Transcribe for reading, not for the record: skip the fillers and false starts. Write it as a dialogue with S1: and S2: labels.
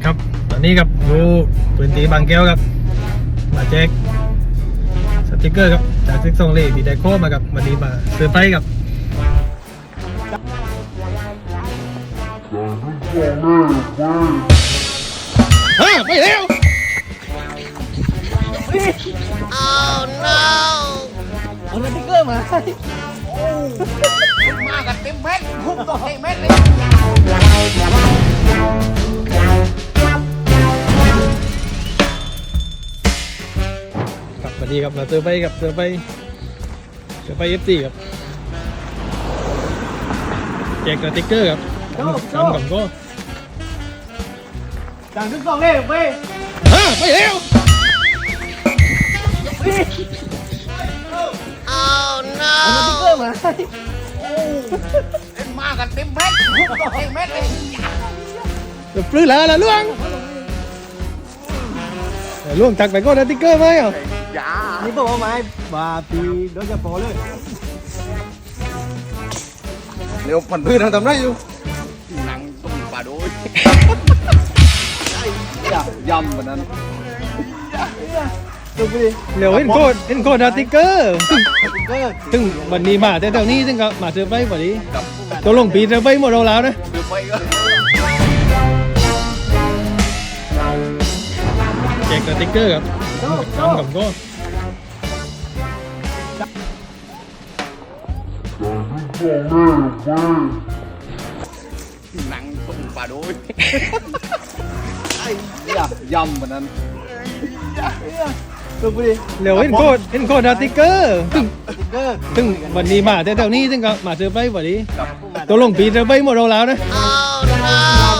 S1: ครับตอนนี้ครับอยู่พื้นที่บางแก้วครับมาแจกสติกเกอร์ครับจากซิกซองเล่ที่ได้โค้ดมาครับวันนี้มาเซอร์ไพรส์ครับไปแล้ว
S2: เอาสติ๊กเกอร์มา
S3: มากันเต็มเม็ดพุ่งต่อเต็มเม็ดเลย
S1: ครับวันนี้ครับมาเซอร์ไพรส์ครับเซอร์ไพรส์FCครับแจกสติกเกอร์ครับทำกับก็
S2: จังทุกสองเลยเว้ย
S1: ไปแล้ว
S2: เอาสติ๊กเกอร์มา
S3: มากันเต็มเม็ดพุ่งต่อเต็มเม็ดเลย
S1: ปลื้มแล้วล่ะล่วงล่วงตักไปก็สติกเกอร์ไหมอ่ะ
S3: อย่า
S2: นี่บอกว่าไม้บาปีโดยเฉพาะเลย
S3: เร็วมันพื้นทำได้อยู่หนังต้มปลาโดยยำแบบนั้น
S2: ดูไปดิ
S1: เร็วเห็นโคตรสติกเกอร์
S2: สติ๊กเกอร์
S1: ซึ่งวันนี้มาแต่แถวนี้ซึ่งก็มาเซอร์ไพรส์วันนี้ตัวลงปีเซอร์ไพรส์หมดเราแล้วนะ
S3: คือไปก็
S1: แจกสติกเกอร์ครับทำกับก็
S3: หนังต้มปลาโดยยำแบบนั้น
S2: ดูไปดิ
S1: เร็วเห็นโคตรสติกเกอร์
S2: สติ๊กเกอร์
S1: ซึ่งวันนี้มาแต่แถวนี้ซึ่งก็มาเซอร์ไพรส์วันนี้ตัวลงปีเซอร์ไพรส์หมดเราแล้วนะ
S3: ย